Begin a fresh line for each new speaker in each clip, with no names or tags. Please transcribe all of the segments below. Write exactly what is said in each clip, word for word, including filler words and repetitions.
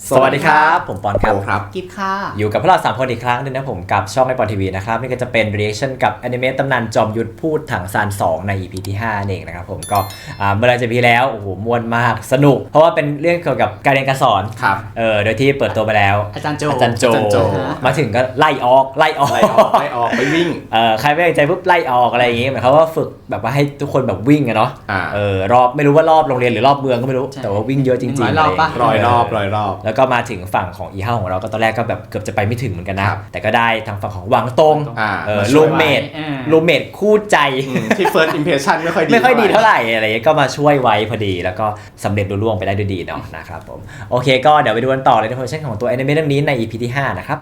สวัสดีครับผมปอนครับ
ครับ
กิฟค่ะ
อยู่กับพวกเราสามคนอีกครั้งนึงนะผมกับช่องไอปอนทีวีนะครับนี่ก็จะเป็น reaction กับอนิเมะตำนานจอมยุทธพูดถังซานสองใน อี พี ที่ห้าเองนะครับผมก็เมื่อไรจะพีแล้วโอ้โหม่วนมากสนุกเพราะว่าเป็นเรื่องเกี่ยวกับการเรียนการสอน
ครับ
เออโดยที่เปิดตัวไปแล้ว
อาจารย์โจ
อาจารย์โจ
อาจารย์โจ
มาถึงก็ไล่ออกไล่ออก
ไล่ออกไล่ออกไปวิ่ง
เออใครไม่ได้ใจปุ๊บไล่ออกอะไรอย่างงี้หมายความว่าฝึกแบบว่าให้ทุกคนแบบวิ่งอะเนาะ
อ่า
เออรอบไม่รู้ว่ารอบโรงเรียนหรือรอบเมืองก็ไม่รู้แต่ว่าวิ่งเยอะจริงๆ
ร้อยรอบปะ
ร้อยรอบร้อยรอบ
แล้วก็มาถึงฝั่งของอีเฮาของเราก็ตอนแรกก็แบบเกือบจะไปไม่ถึงเหมือนกันนะแต่ก็ได้ทางฝั่งของหวังตง
อ่า
เออ
มาช่
ลู
วย
เมด
อ่า
ลูเมดคู่ใจ
อืมที่ first impression ไม่ค่อยดี
ไม่ค่อยดีเท่าไหร่อะไรเงี้ยก็มาช่วยไว้พอดีแล้วก็สำเร็จรุ่ล่วงไปได้ด้วยดีเนาะนะครับผมโอเคก็เดี๋ยวไปดูกันต่อเลยในเวอร์ชันของตัวแอนิเมะเรื่องนี้ใน อี พี ที่ห้านะครับ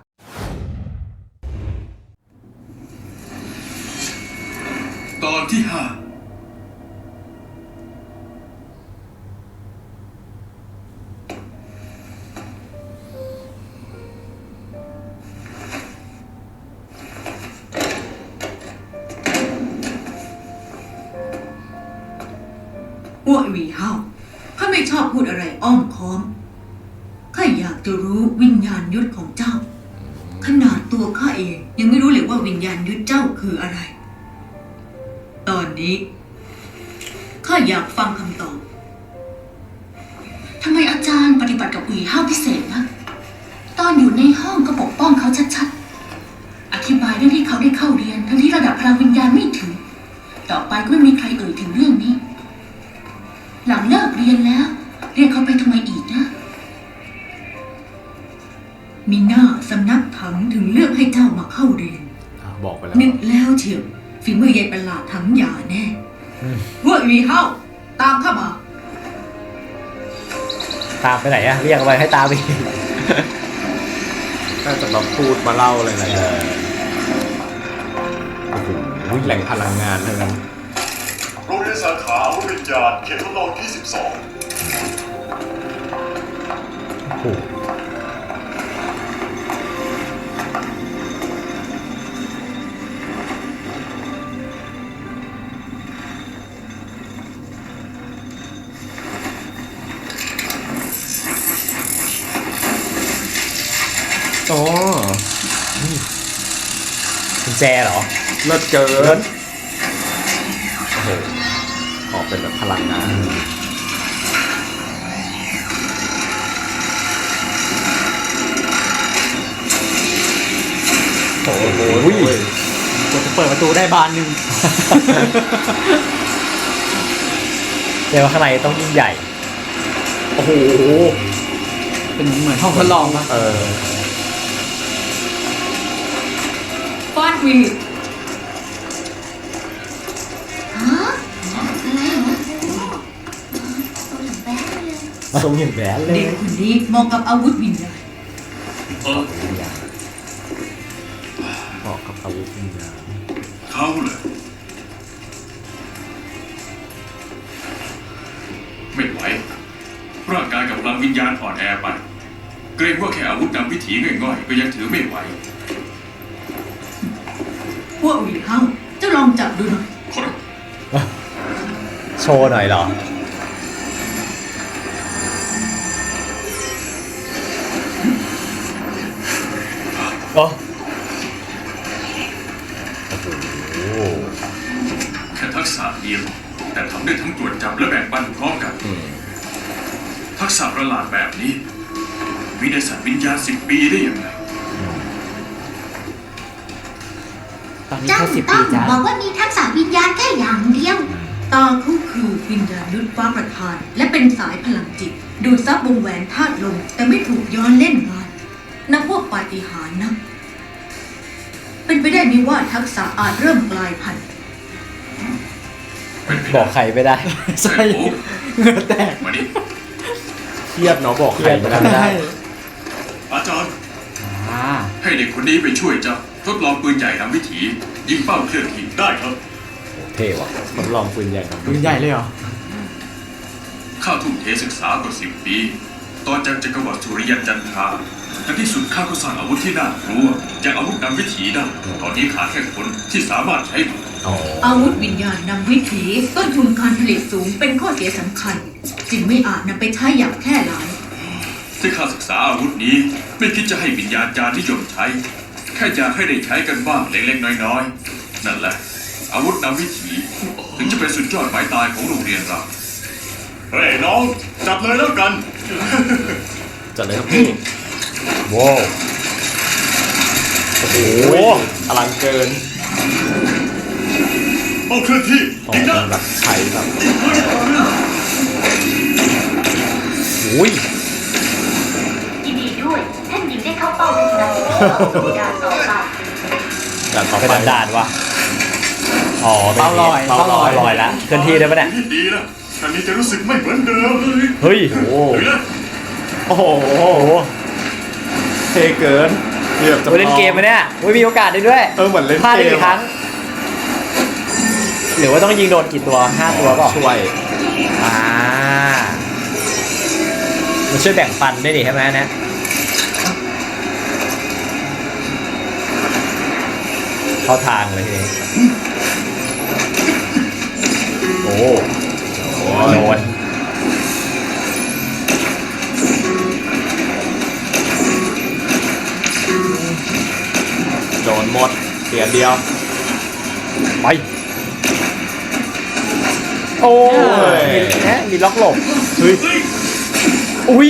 ตอนที่ห้า
อ้วหวีเฮาข้าไม่ชอบพูดอะไรอ้อมค้อมข้าอยากจะรู้วิญญาณยุทธของเจ้า ขนาดตัวข้าเองยังไม่รู้เลยว่าวิญญาณยุทธเจ้าคืออะไร ตอนนี้ข้าอยากฟังคำตอบทำไมอาจารย์ปฏิบัติกับหวีเฮาพิเศษนะตอนอยู่ในห้องก็ปกป้องเขาชัดๆอธิบายเรื่องที่เขาได้เข้าเรียนทั้งที่ระดับพลังวิญญาณไม่ถึงต่อไปก็ไม่มีใครเอ่ยถึงเรื่องนี้หลังเลิกเรียนแล้วเรียกเขาไปทำไมอีกนะมีหน้าสำนักถังถึงเลือกให้เจ้ามาเข้าเรียน
อ่าบอกไปแล้ว
นึกแล้วเชียวฝีมือยายประหลาดถังหยาแน่พวกวีเฮาตามข้ามา
ตามไปไหนอะเรียกเอาไว้ให้ตามไป
น่าจะมาพูดมาเล่าอะไรอะไรเออโอ้โหแหล่งพลังงานทั้งนั้น
โรงเรียนสาขาวิญญาณเขตทดลองที่สิบสอง
โอ้โห
อ๋อ
กุญแจเหรอ
เลิศเกินโอ้โหออกเป็นแบบพลังงานโอ้โห
กว่าจะเปิดประตูได้บานหนึ่ง
เรียกว่าข้างในต้องยิ่งใหญ่
โอ้โห
เป็นเหมือนห้องทดลองปะ
เออ
ฟาดวี
ฮะอะไรเหรอตัวอย่างแบดเลย
ทรงอย่างแบนเลย
เด็กคนนี้เหมาะกับอาวุธวิญญาณ
เออ
เหมาะกับอาวุธวิญญาณ
เขาเลยไม่ไหวร่างกายกับพลังวิญญาณอ่อนแอไปเกรงว่าแค่อาวุธนำวิถีง่อยๆก็ยังถือไม่ไหว
พวกวีเฮาเจ้าลองจับดูหน่อย
ขอรับ
โชว์หน่อยเหรอโอ้โห
แค่ทักษะเดียวแต่ทำได้ทั้งตรวจจับและแบ่งปันพร้อมกัน
อืม
ทักษะประหลาดแบบนี้มีในสัตว์วิญญาณสิบปีได้ยังไง
ตอนนี้
เจ้า
แค่สิบ
ต้
ปี
อง
จ้า
บอกว่ามีทักษะวิญญาณแค่อย่างเดียว
ตาเขาคือวิญญาณยุทธฟ้าประทาน และเป็นสายพลังจิต ดูดซับวงแหวนธาตุลมแต่ไม่ถูกย้อนเล่นงานนับพวกปาฏิหาริย์นะเป็นไปได้ไหมว่าทักษะอาจเริ่มกลายพันธุ์
เป็นไป
บ
ได้
อกใครไม่ได้
ใช่
โอ้
เหงื่อแตก
มาดิ
เครียดเนาะบอกใครไม่
เครียด
ได้
อาจารย์
อ่า
ให้เด็กคนนี้ไปช่วยเจ้าทดลองปืนใหญ่นำวิถียิงเป้าเคลื่อนที่ได้ครับ
เท่ว่ะ
ทดลองปืนใหญ่ครับ
ปืนใหญ่เลยเหรอ
ข้าทุ่มเทศึกษากว่าสิบปีตอนจากจักรวรรดิสุริยันจันทราในที่สุดข้าก็สร้างอาวุธที่น่ากลัวจากอาวุธนำวิถีได้ตอนนี้ขาดแค่คนที่สามารถใช้มัน
อ๋อ
อาวุธวิญญาณนำวิถีต้นทุนการผลิตสูงเป็นข้อเสียสำคัญ จึงไม่อาจนำไปใช้อย่างแพร่หลาย
ที่ข้าศึกษาอาวุธนี้ไม่คิดจะให้วิญญาณจารย์นิยมใช้แค่อยากให้ได้ใช้กันบ้างเล็กๆน้อยๆนั่นแหละอาวุธนำวิถีถึงจะเป็นสุดยอดไม้ตายของโรงเรียนเราเฮ้ยน้องจับเลยแล้วกัน
จัดเลยครับพี่
ว้าวโอ้โห
อลังเกิน
เอาเคลื่อนที่
อ๋อ
ยิงนะ
แบบใช้แบบ
อุ้ย
ยินดีด้วยท่านหญิงได้เข้าเป้าทุกนัดสู่ด่านต่อไป
ด่านต่อ
เป็น
ไป
ด่านๆวะอ๋อเป็น
เป้าลอย
เป้าลอยลอยละเคลื่อนที่ได้ปะเนี่ย
ที่ดีนะท่านนี้จะรู้สึกไม่เหมือนเดิมเลย
เฮ้ย
โอ้
เฮ้ยนะ
โอ้โห
โอ้โห
เท่เกินเรียบจะ
เล่นเกมไหมเนี่ยอุ้ยมีโอกาสได้ด้วย
เออเหมือนเล่น
พลาดได้
เก
กี่
ม
ครั้ง หรือว่าต้องยิงโดนกี่ตัวห้าตัวเปล่า
ช่วย
อ่ามันช่วยแบ่งปันด้วยดิใช่ไหมเนะเข้าทางเลยทีนี้โอ้โหโดน
โดนหมดเสียเดียว
ไปโอ้ยมีแนะมีล็อกหลบ
เฮ้ย
อุ้ย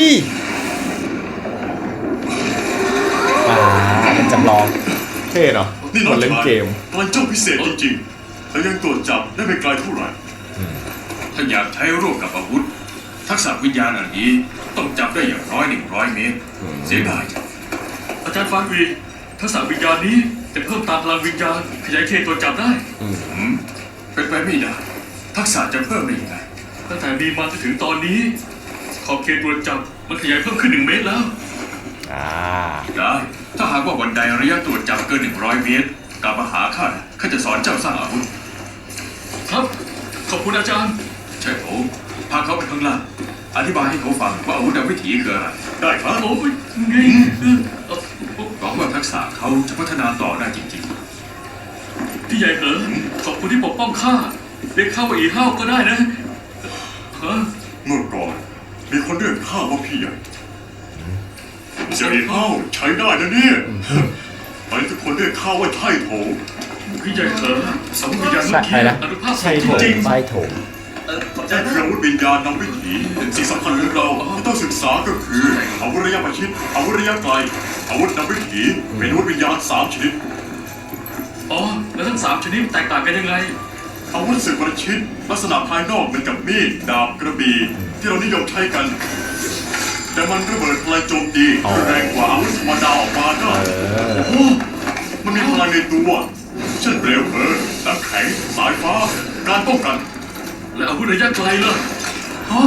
อ่าเป็นจำลอง
เท่เนาะ
นี่
เห
น้
มื
อ
อง นเล่น
ชาย
เกม
พลังเจ้าพิเศษจริงๆแต่ยังตรวจจับได้ไม่ไกลเท่าไหร่ถ้าอยากใช้ร่วมกับอาวุธ ทักษะวิญญาณอันนี้ต้องจับได้อย่างน้อยหนึ่งร้อยเมตร เสียดายจังอาจารย์ฟานวีทักษะวิญญาณนี้จะเพิ่มตามพลังวิญญาณขยายเขตตรวจจับได้
อืม
อืมเป็นไปไม่ได้ ทักษะจะเพิ่มได้ยังไงตั้งแต่มีมาจนถึงตอนนี้ ขอบเขตตรวจจับมันขยายเพิ่มขึ้นหนึ่งเมตรแล้ว
อ่า
ได้ ถ้าหากว่าวันใดระยะตรวจจับเกินหนึ่งร้อยเมตรกลับมาหาข้าข้าจะสอนเจ้าสร้างอาวุธ ครับ ขอบคุณอาจารย์ ใช่ผมพาเขาไปข้างล่าง อธิบายให้เขาฟังว่าอาวุธนำวิถีคืออะไร ได้ครับโอ้ยไงหวังว่าทักษะเขาจะพัฒนาต่อได้จริงๆ พี่ใหญ่เหรอขอบคุณที่ปกป้องข้าเรียกข้าว่าอีห้าวก็ได้นะฮะเมื่อก่อนมีคนเรียกข้าว่าพี่ใหญ่เสียงอีห้าวใช้ได้นะเนี่ยตอนนี้ทุกคนเรียกข้าว่าไช่โถพี่ใหญ่เหรอสมวิญญาณเมื่อกี้อนุภาพจริง
ใช่โถม
แจ้งคืออาวุธวิญญาณนำวิถีสิ่งสำคัญของเราที่ต้องศึกษาก็คืออาวุธระยะประชิดอาวุธระยะไกลอาวุธนำวิถีเป็นอาวุธวิญญาณสามชนิดอ๋อแล้วทั้งสามชนิดแตกต่างกันยังไงอาวุธศึกประชิดลักษณะภายนอกเหมือนกับมีดดาบกระบี่ที่เรานิยมใช้กัน แต่มันระเบิดพลังโจมตีแรงกว่าอาวุธธรรมดาออกมาได้โอ้โหมันมีพลังในตัวเช่นเปลวเพลิงน้ำแข็งสายฟ้าการป้องกันและอาวุธระยะไกลล่ะฮะ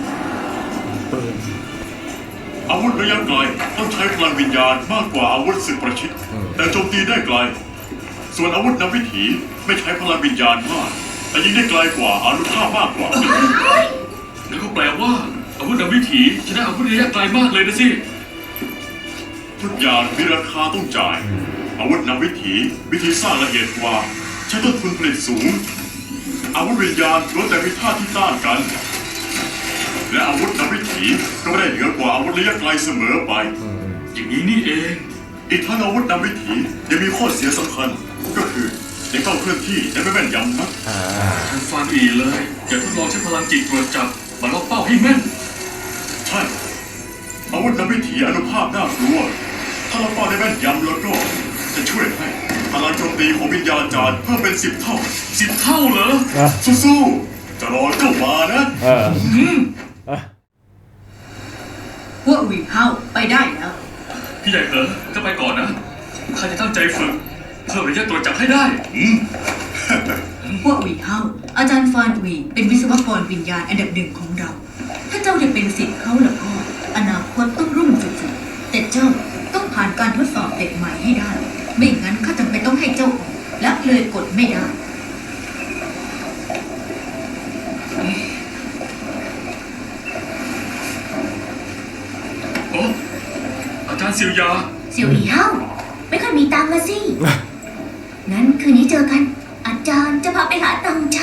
อาวุธระยะไกลต้องใช้พลังวิญญาณมากกว่าอาวุธศึกประชิดแต่โจมตีได้ไกล ส่วนอาวุธนำวิถีไม่ใช้พลังวิญญาณมากแต่ยิงได้ไกลกว่าอานุภาพมากกว่าแล้วก็แปลว่าอาวุธนำวิถีชนะอาวุธระยะไกลมากเลยนะสิทุกอย่างมีราคาต้องจ่ายอาวุธนำวิถีวิธีสร้างละเอียดกว่าใช้ต้นทุนผลิตสูงอาวุธวิญญาณล้วนแต่มีท่าที่ต้านกัน และอาวุธนำวิถีก็ไม่ได้เหนือกว่าอาวุธระยะไกลเสมอไปอย่างนี้นี่เอง อีกทั้งอาวุธนำวิถียังมีข้อเสียสำคัญ ก็คือยังต้องเคลื่อนที่แต่ไม่แม่นยำนักท่านฟานอีเลยอย่าทดลองใช้พลังจิตตรวจจับมาล็อกเป้าให้แม่น ใช่ อาวุธนำวิถีอนุภาพน่ากลัว ถ้าเราเป้าได้แม่นยำแล้วก็จะช่วยให้พลังโจมตีของวิญญาณจารย์เพิ่มเป็นสิบเท่าสิบเท่าเหรอ สู้ๆจะรอเจ้ามานะ
เออ
พวกวิงเฮาไปได้แล้ว
พี่ใหญ่เหอะก็ไปก่อนนะข้าจะตั้งใจฝึกเพิ่มระยะตรวจจับให้ได้อืม
พวกวิงเฮาอาจารย์ฟานวีเป็นวิศวกรวิญญาณอันดับหนึ่งของเรา ถ้าเจ้าได้เป็นศิษย์เขาแล้วก็อนาคตต้องรุ่งสุดๆแต่เจ้าต้องผ่านการทดสอบเด็กใหม่ให้ได้ ไม่งั้นข้าจำเป็นต้องให้เจ้าออกและเลยกดไม่ได้
โอ้อาจารย์ซิวยา
เสี่ยวอีเฮ้าไม่ค่อยมีตังค์ละสิ งั้นคืนนี้เจอกัน อาจารย์จะพาไปหาตังค์ใช้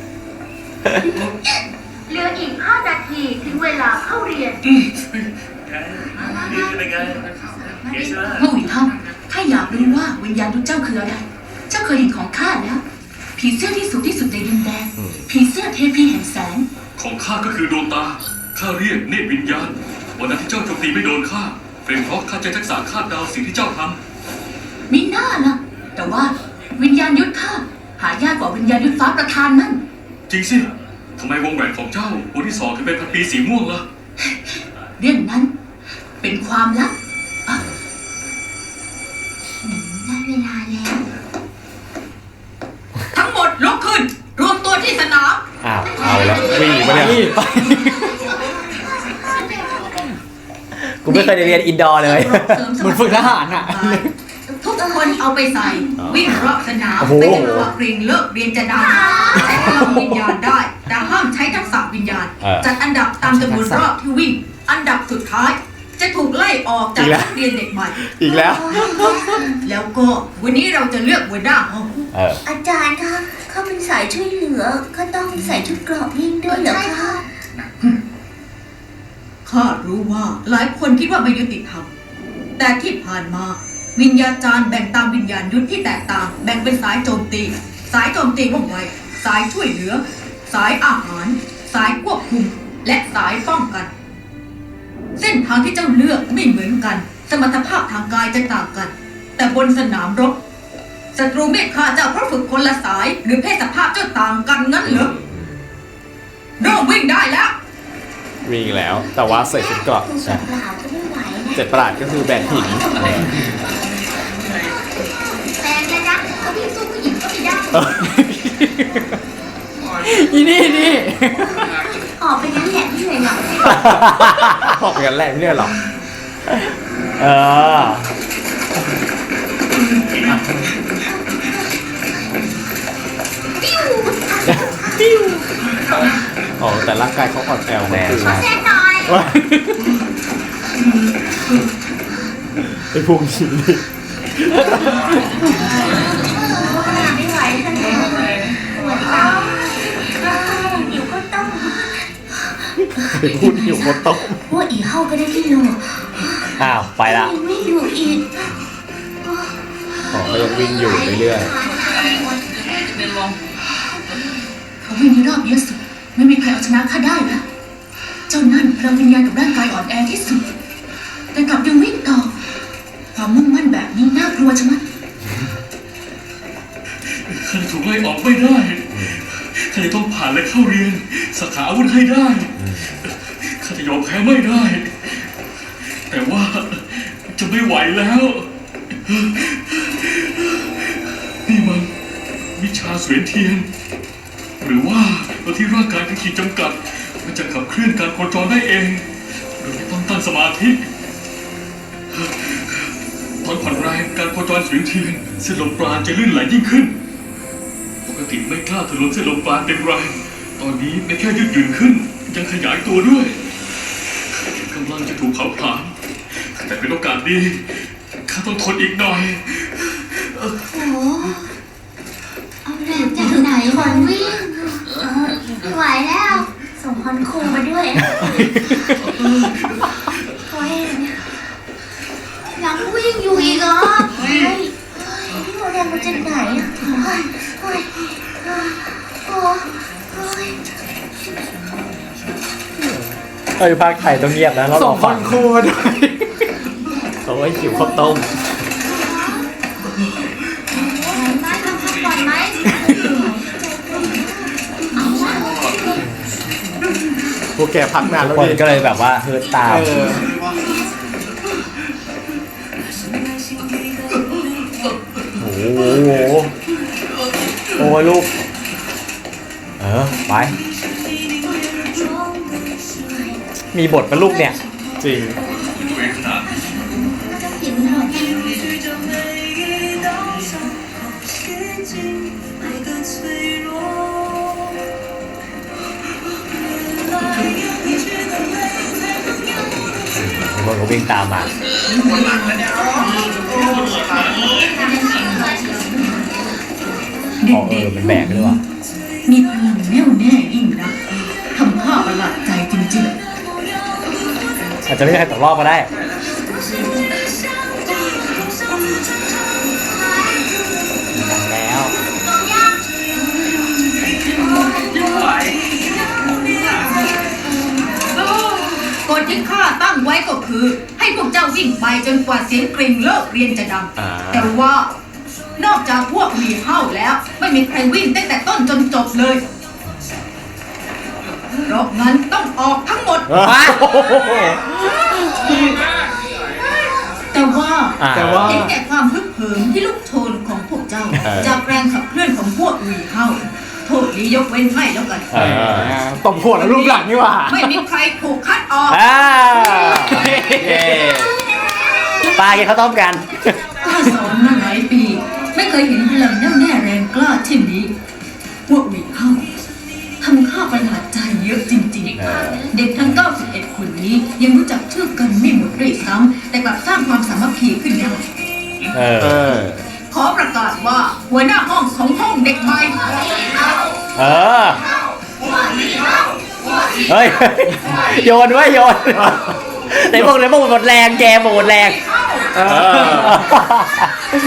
เหลืออีกห้านาทีถึงเวลาเข้าเรียน
แผ
พระวิเท่าถ้าอยากรู้ว่าวิญญาณยุทธเจ้าคืออะไรเจ้าเคยเห็นของข้าแล้วผีเสื้อที่สูงที่สุดในดินแดนผีเสื้อเทพีแห่งแสง
ของข้าก็คือดวงตาข้าเรียกเนตรวิญญาณวันนั้นที่เจ้าโจมตีไม่โดนข้าเป็นเพราะข้าใจทักษะคาดเดาสิ่งที่เจ้าทำ
มิน่าล่ะแต่ว่าวิญญาณยุทธข้าหายากกว่าวิญญาณยุทธฟ้าประธานนั่น
จริงสิทำไมวงแหวนของเจ้าวันที่สองถึงเป็นพันปีสีม่วงล่ะ
เรื่องนั้นเป็นความลับอ่ะ
ได้เวลาแล้ว
ทั้งหมดลุกขึ้น รวมตัวที่สนาม
อ้าวเอาแล้ว
วิ่งมาเนี่ย
กูไม่เคยได้เรียนอินดอร์เลย
เหมือนฝึกทหารอ่ะ
ทุกคนเอาไปใส่ วิ่งรอบสนาม
โอ้โห
ไม่ใช่ว่าเกรงเลิกเรียนจะดังใช้พลังวิญญาณได้ แต่ห้ามใช้ทักษะวิญญาณ จัดอันดับตามจำนวนรอบที่วิ่ง อันดับสุดท้าย จะถูกไล่ออกจากนักเรียนเด็กใหม่
อีกแล้ว
แล้วก็วันนี้เราจะเลือกหัวหน้าห้อง
เออ
อาจารย์คะเขาเป็นสายช่วยเหลือก็ต้องใส่ชุดเกราะยิ่งด้วยเหรอคะ
ข้ารู้ว่าหลายคนคิดว่าไม่ยุติธรรม แต่ที่ผ่านมาวิญญาจารย์แบ่งตามวิญญาณยุทธที่แตกต่าง แบ่งเป็นสายโจมตี สายโจมตีว่องไว สายช่วยเหลือ สายอาหาร สายควบคุม และสายป้องกัน เส้นทางที่เจ้าเลือกไม่เหมือนกัน สมรรถภาพทางกายจะต่างกัน แต่บนสนามรบศัตรูไม่ฆ่าเจ้าเพราะฝึกคนละสาย หรือเพศสภาพเจ้าต่างกันงั้นเหรอเริ่มวิ่งได้แล้ว
วิ่งแล้ว แต่ว่าใส่ชุดเกราะ
คือเปล่าก็ไม่ไหวนะ
เจ็ดประหลาดก็คือแบกหิน
แฟนเลยนะเขาพี่สู้ผู้หญิงก็ไม่ได้
อีนี่นี่
ออกไปงั้นแหละไม่เหนื่อยหรอก
ออกกันแหละไม่เนี่ยหรอ
เออ
อ๋อแต่ร่างกายเขาอ่อนแอล
แน่ใช่
แซ่หน่อย
ไอ้พวกนี้นี่
ไม่ไหวขนาดนี้ปวดท้องหิวก็ต้อง
ไอ้พูดอยู่บนโต๊ะ
ว่าอีเฮาก็ได้ที่โล
อ้าวไปละ
ยังไม่อยู่อีก
อ๋อก็ยังวิ่งอยู่เรื่อย
เขาวิ่งในรอบเยอะสุดไม่มีใครเอาชนะข้าได้แล้วเจ้านั่นพลังวิญญาณกับร่างกายอ่อนแอที่สุด แต่กลับยังวิ่งต่อ ความมุ่งมั่นแบบนี้น่ากลัวชะมัด
ข้าจะถูกไล่ออกไม่ได้ข้าจะต้องผ่านและเข้าเรียนสาขาอาวุธให้ได้ข้าจะยอมแพ้ไม่ได้ แต่ว่าจะไม่ไหวแล้ว นี่มันวิชาเสวียนเทียน หรือว่าตอนที่ร่างกายเป็นขีดจำกัด มันจะขับเคลื่อนการโคจรได้เองโดยไม่ต้องตั้งสมาธิตอนผ่อนแรงการโคจรเสวียนเทียนเส้นลมปราณจะลื่นไหลยิ่งขึ้น ปกติไม่กล้าถลุนเส้นลมปราณเต็มแรงตอนนี้ไม่แค่ยืดหยุ่นขึ้น ยังขยายตัวด้วยกำลังจะถูกเผาผลาญแต่เป็นโอกาสดีข้าต้องทนอีกหน่อย
โอ้เอาแรงจากไหนคนวิ่งไม่ไหวแล้วส่งคอนครูมาด้วยโอ้ยยังวิ่งอยู่อีกเหรอเฮ้ยนี่เอาแรงมาจากไหนอ่ะโอ้ยโอ้ยโอ้ยโอ้ย
เออภาคไทยต้องเงียบนะเรา
ส่
รอง
ค
ฟั
อง นครูมาด้วย
ๆโอ้ยหิวข้าวต้ม
ไหวไหมทำพักก่อนไหมเอาวะ
พวกแกพักนานแล้ว
คน
ดิ
ก็เลยแบบว่าเฮิร์ตตาม
เออ
โอ้โหโอ้ยลูก เออ ไป มีบทเป็นลูกเนี่ย
จริง
ตัวเองขนาด
จะกินหน่อย
คนก็วิ่งตามมา
เด็
อ๋อเออ มันแบกด้วยว่ะ
ๆมีพลังแน่วแน่ยิ่งนะทำข้าประหลาดใจจริงๆ
อาจจะไม่มีใครตกรอบก็ได้แล้ว
กฎที่ข้าตั้งไว้ก็คือ ให้พวกเจ้าวิ่งไปจนกว่าเสียงกริ่งเลิกเรียนจะดัง
อ่า
แต่ว่านอกจากพวกหวีเฮ้าแล้ว ไม่มีใครวิ่งตั้งแต่ต้นจนจบเลยเพราะงั้นต้องออกทั้งหมด แต่ว่า
อ่า
แต่ว่า
เห็นแก่ความฮึกเหิมที่ลูกโชนของพวกเจ้า
เออ
จากแรงขับเคลื่อนของพวกหวีเฮ้าโทษนี้ยกเว้นให้แล้วกัน
เออ
ตบหัวแล้วรูปหลังนี่หว่า
ไม่มีใครถูกคัดออก
อ่าเย้ปลากินข้าวต้มกัน
ข้าสอนมาหลายปี ไม่เคยเห็นพลังแน่วแน่แรงกล้าเช่นนี้ พวกหวีเฮ้าทำข้าประหลาดใจเยอะจริงๆ เด็กทั้งเก้าสิบเอ็ดคนนี้ยังรู้จักชื่อกันไม่หมดด้วยซ้ำแต่กลับสร้างความสามัคคีขึ้นได้
เออ
เออ
ขอประกาศว่าหัวหน้าห้องของห้องเด็กใหม่
เออ เฮ้ย โยนไว้โยนในพวกในพวกหมดแรงแกหมดแรง
เออ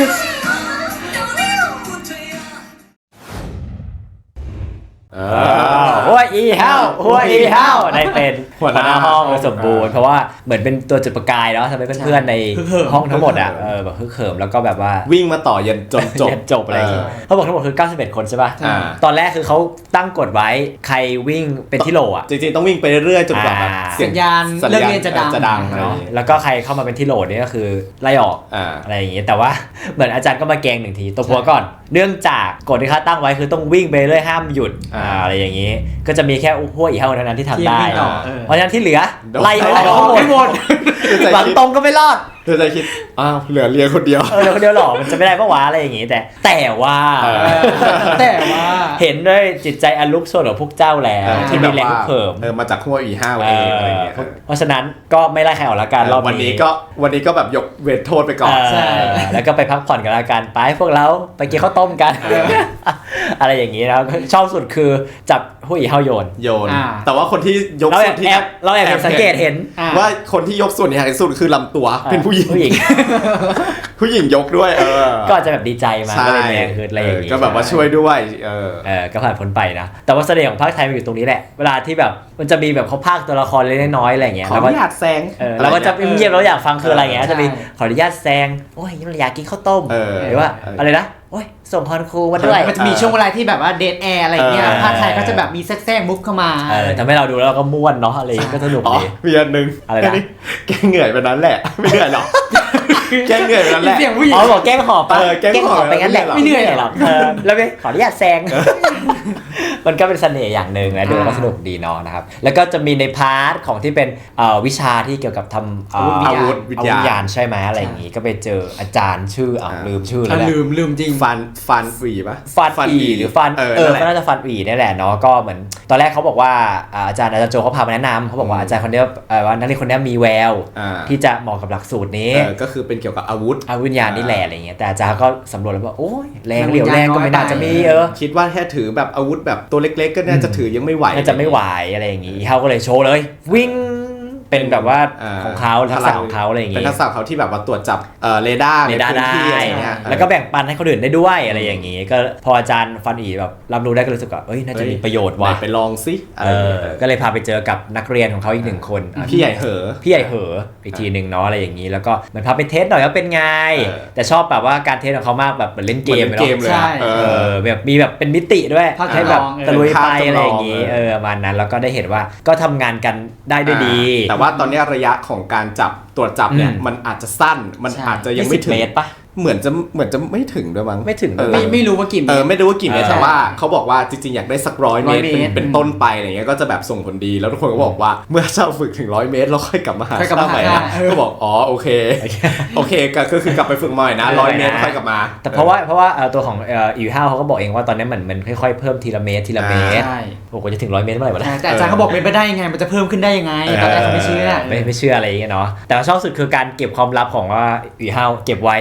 เออ
หัวอีเฮาหัวอีเฮาได้เป็น
หัวหน้า
ห้องสมบูรณ์เพราะว่าเหมือนเป็นตัวจุดประกายเนาะทำให้เพื่อนๆใน
ฮึกเหิม
ห้องทั้งหมดอ่ะเออแบบฮึกเหิมแล้วก็แบบว่า
วิ่งมาต่อยันจนจบ
เรียนจบอะไรอย่างงี้เขาบอกทั้งหมดคือเก้าสิบเอ็ดคนใช่ป่ะ
อ่า
ตอนแรกคือเขาตั้งกฎไว้ใครวิ่งเป็นที่โหลอ่ะ
จริงๆต้องวิ่งไปเรื่อยๆจนกว่าแบบ
อ่า
เสียง
สัญญาณ
สัญ
เลิก
ญาณ
เรียนจะดัง
จะดังอะไรอ
เนาะ
ย่างงี้
แล้วก็ใครเข้ามาเป็นที่โหลนี่ก็คือไล่ออก
อ่า
อะไรอย่างงี้แต่ว่า เหมือนอาจารย์ก็มาแกงหนึ่งทีตัวพัวก่อน เนื่องจากกฎที่เขาตั้งไว้คือต้องวิ่งไปเรื่อยห้ามหยุด
อ่า
อ่าอะไรอย่างงี้ ก็จะมีแค่หัวอีเฮาเท่านั้นที่ทำ
ที่
ได้
วิ่งต่อเออ
เพราะฉะนั้นที่เหลือ
โดน
ไล่ออกทั้งหมด
ไม่หมด
หวังตรงก็ไม่รอด
เธอจะคิด อ้าว เหลือเรียนคนเดียว
เออเดี๋ยวคนเดียวหรอมันจะไม่ได้ปะวะอะไรอย่างงี้แต่ แต่ว่า
เออ
แต่ว่า
เห็นด้วยจิตใจอันลุกโชนของพวกเจ้าแล้ว
เออ
ที่มีแรงเพิ่ม
เออมาจากหัวอีห้า
เอ
เอง
อ
อะไรอย่างเงี้ย
เพราะฉะนั้นก็ไม่ไล่ใครออกละกันรอบ
วัน
นี้
นี้ก็วันนี้ก็แบบยกเวทโทษไปก่อน
ใช่
เออแล้วก็ไปพักผ่อนกันละกันไปพวกเราไปกินข้าวต้มกัน อะไรอย่างนี้แล้วชอบสุดคือจับผู้หญิงเฮาโยน
โยน
อ่า
แต่ว่าคนที่ยก
เราแอ
ส่ว
บ
นที่
แอบเราแอบเห็นสังเกตเห็น
อ่า
ว่าคนที่ยกส่วนใหญ่ที่สุดคือลำตัวเป็นผู้หญิง
ผู้หญิง
ผู้หญิงยกด้วยเออ
ก็อาจจะแบบดีใจมา
ใช่
ก็เลยแรงขึ้นอะไรอย่างนี้
ก็แบบว่าช่วยด้วยเออ
เออก็ผ่านพ้นไปนะ แต่ว่าเสน่ห์ของภาคไทยมันอยู่ตรงนี้แหละ เวลาที่แบบมันจะมีแบบเขาพากย์ตัวละครเล็กๆน้อยๆอะไรอย่างเงี้ย
ขอ
แล้ว
อ
ก็
นุญาตแซง
เออเราก็จะเงียบๆเราอยากฟังคืออะไรอย่างเงี้ย
ใช่
จะมีขออนุญาตแซงโอ้ยอยากกินข้าวต้ม
เออ
หรือว่า
เอออ
อะไรนะโอ้ยส่งพรครูมาด้วย
มันจะมีช่วงเวลาที่แบบว่าเดทแอร์อะไรเงี้ย
เออ
ภาคไทยก็จะแบบมีแทรกๆมุกเข้ามา
เออทำให้เราดูแล้วเราก็ม่วนเนาะอะไรอย่างงี้ก็สนุก
อ๋อ
ดี
มีอันหนึง
อะไรนะ
แกเหนื่อยไปนั้นแหละ ไม่เหนื่อยหรอกแกเหนื่อยไปนั้นแหละ
เสียงผู้หญิง
อ๋อบอกแกล้งหอบปะ
เออแกล้งหอบ
ไปงั้นแหละ
ไม่เหนื่อยหรอก
หรอกเออแล้วไปขออนุญาตแซง มันก็เป็นเสน่ห์อย่างหนึ่งนะดูแล้วก็สนุกดีเนาะนะครับแล้วก็จะมีในพาร์ทของที่เป็นเอ่อวิชาที่เกี่ยวกับทำเอ่อ
อาวุธวิทยา
อาวุธยานใช่ไหมอะไรอย่างงี้ก็ไปเจออาจารย์ชื่ออ่า
อ่า
ลืมชื่อแล้
อ่ะ
วแหละ
ลืมลืมจริง
ฟันฟันฝีปะ
ฟันอีหรือฟัน
เออ
เออ
นั่นแห
ก็
ละ
น่าจะฟันอีนี่แหละเนาะก็เหมือนตอนแรกเขาบอกว่าอ่าอาจารย์อาจารย์โจเขาพามาแนะนำเขาบอกว่า
อืม
อาจารย์คนเนี้ยเอ่อว่านักเรียนคนเนี้ยมีแวว
อ่า
ที่จะเหมาะกับหลักสูตรนี้
เออก็คือเป็นเกี่ยวกับอาวุธ
อาวุธยานนี่แหละอะไรเงี้ยแต่อาจารย์ก็สำรวจแล้วบอกโอ้ยแรง
มัน
เหลียวแรงก็ไม่น่าจะมีเออ
คิดว่าแค่ถือแบบอาวุธแบบตัวเล็กๆ ก็น่าจะถือยังไม่ไหว
น่าจะไม่ไหวอะไรอย่างงี้เขาก็เลยโชว์เลย วิ่งเป็นแบบว่า
อ่า
ของเขาทักษะของเขาอะไรอย่าง
เป็น
งี้
ทักษะของเขาที่แบบว่าตรวจจับเอ่อเรดาร์
เร
ใน
ดาร์
พื้น
ได้
ที่อะไรเงี้ย
แล้วก็แบ่งปันให้คนอื่นได้ด้วยอะไรอย่างงี้ ก็พออาจารย์ฟันอีแบบรับรู้ได้ก็รู้สึกว่าเอ้ยน่าจะมีประโยชน์
ไหน
ว่ะ
ไปลองซิอะ
เอ
ไร
อ
เงี้ย
ก็เลยพาไปเจอกับนักเรียนของเขาอีกหนึ่งคนอ่ะ
พี่ใหญ่เหอะ
พี่ใหญ่เหออีกทีหนึ่งเนาะอะไรอย่างนี้แล้วก็เหมือนพาไปเทสหน่อยว่าเป็นไง
เออ
แต่ชอบแบบว่าการเทสของเขามากแบบเหมือนเล่นเกม
หอนเกม
เนาะ
เลย
ใช่
อะเอ
เอ
อ
อแบบมีแบบเป็นมิติด้วย
ภาค
ให้แบบ
จำลองเออ
ตะลุยไป
ภาคจำลอง
อะไรอย่างนี้
เอ
เอ
อ
อประมาณนั้นแล้วก็ได้เห็นว่าก็ทำงานกันได้ด้วยดี
แต่ว่าตอนนี้ระยะของการจับตรวจจับเนี่ย
อืม
มันอาจจะสั้นมัน
ใช่
อาจจะยังไม่ถึ
เม
ง
ตรปะ
เหมือนจะเหมือนจะไม่ถึงด้วยมั้ง
ไม่ถึง
เออ
ไม่ไม่รู้ว่ากี่เม
เอ
ต
อ
ร
ไม่รู้ว่ากี่เมตร
เออ
แต่ว่าเขาบอกว่าจริงๆอยากได้สักร้อยเมตร
ร้อย
เป็น
เมตร
เป็นต้นไปอะไรเงี้ยก็จะแบบส่งผลดีแล้วทุกคนก็บอกว่าเมื่อเจ้าฝึกถึงร้อยเมตรแล้วค่อยกลับมาหา
ค่อยกลับมา
ข้าใหม่
หา
นะ
เออ
ก็บอกอ๋อโอเคโอเคก็ก็คือกลับไปฝึกใหม่นะร้อยเมตรค่อยกลับมา
แต่เพราะว่าเพราะว่าเอ่อตัวของเอ่ออีห้าเขาก็บอกเองว่าตอนนี้เหมือนมันค่อยๆเพิ่มทีละเมตรทีละเมตร
ใช่
โอ้โหจะถึงร้อยเมตรเมื่อไหร่วะ
ใช่
เนี่ย
แต่อาจารย์เขาบอกเป็นไปได้ยังไงมันจะเพิ่มขึ้นได้ยังไงตอนแรกเขาไม่เชื่อ
ไม่ไม่เชื่ออะไรอย่างเงี้ยเนาะแต่ว่าชอบสุดคือการเก็บความลับของว่าอีห้าเก็บไว้ว่าแบบ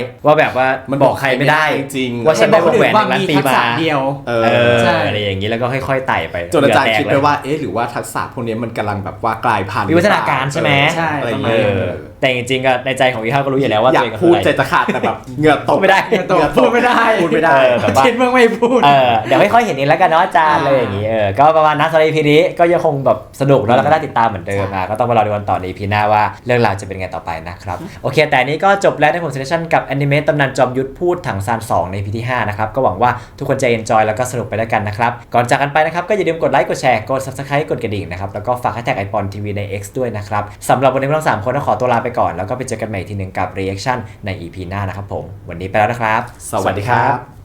แบบว่า
มัน
บอกใครไม่ได้
จริง
ว่าฉันได้วงแหวน
ว่า
หนึ่งล้าน
มี
ปี
ทัก
มา
ษะเดียว
เอ
เอ
อ
อ
ใช่
อะไรอย่างนี้แล้วก็ค่อยๆไต่ไป
จนอาจารย์
เหงื่
คิด
แต
ไป
กเลย
ว่าเอ๊ะหรือว่าทักษะพวกนี้มันกำลังแบบว่ากลายพันธุ์
วิวัฒนาการใช่ไหม
ใช่
อะไรอย่าง
เอ
เงี้ย
อแต่จริงๆก็ในใจของพี่ข้าวก็รู้อยู่แล้วว่า
อ
ตั
ยาว ก
เอง
พูด
คือ
ใจ
อะไร
จะขาดแต่แบบเหงื่อตก
ไม่ได้
เหงื่อตก
พูดไม่ได้
พูดไม่ได้
เออแบบว่า
เช่นเมื่อไม่พูด
เออเดี๋ยวค่อยๆเห็นเองแล้วกันเนาะอาจารย์
อ่า
เลยอย่างนี้เออก็ประมาณนั้นสำหรับ อี พี นี้ก็ยังคงแบบสนุกแล้วแล้วก็ได้ติดตามเหมือนเดิมอ่ะก็ต้องมารอดูกันต่อใน อี พี หน้าว่าเรื่องราวจะเป็นไงต่อไปนะครับโอเคแต่อันนี้ก็จบแล้วในผมเซสชั่นกับแอนิเมตตำนานจอมยุทธพูดถังซานสองใน อี พี ที่ห้านะครับก็หวังว่าทุกคนจะ enjoy แล้วก็สนุกไปด้วยกันนะครับก่อนจากกันไปนะครับก็อย่าลืมกดไลค์กดแชร์กด Subscribe กดกระดิ่งนะครับแล้วก็ฝากแฮชแท็กไอปอนทีวีใน X ด้วยนะครับสำหรับวันนี้พวกเราสามคนต้องขอตัวลาไปก่อนแล้วก็ไปเจอกันใหม่ทีหนึ่งกับ reaction ใน อี พี หน้านะครับผมวันนี้ไปแล้วนะครับ
สวัสดีครับ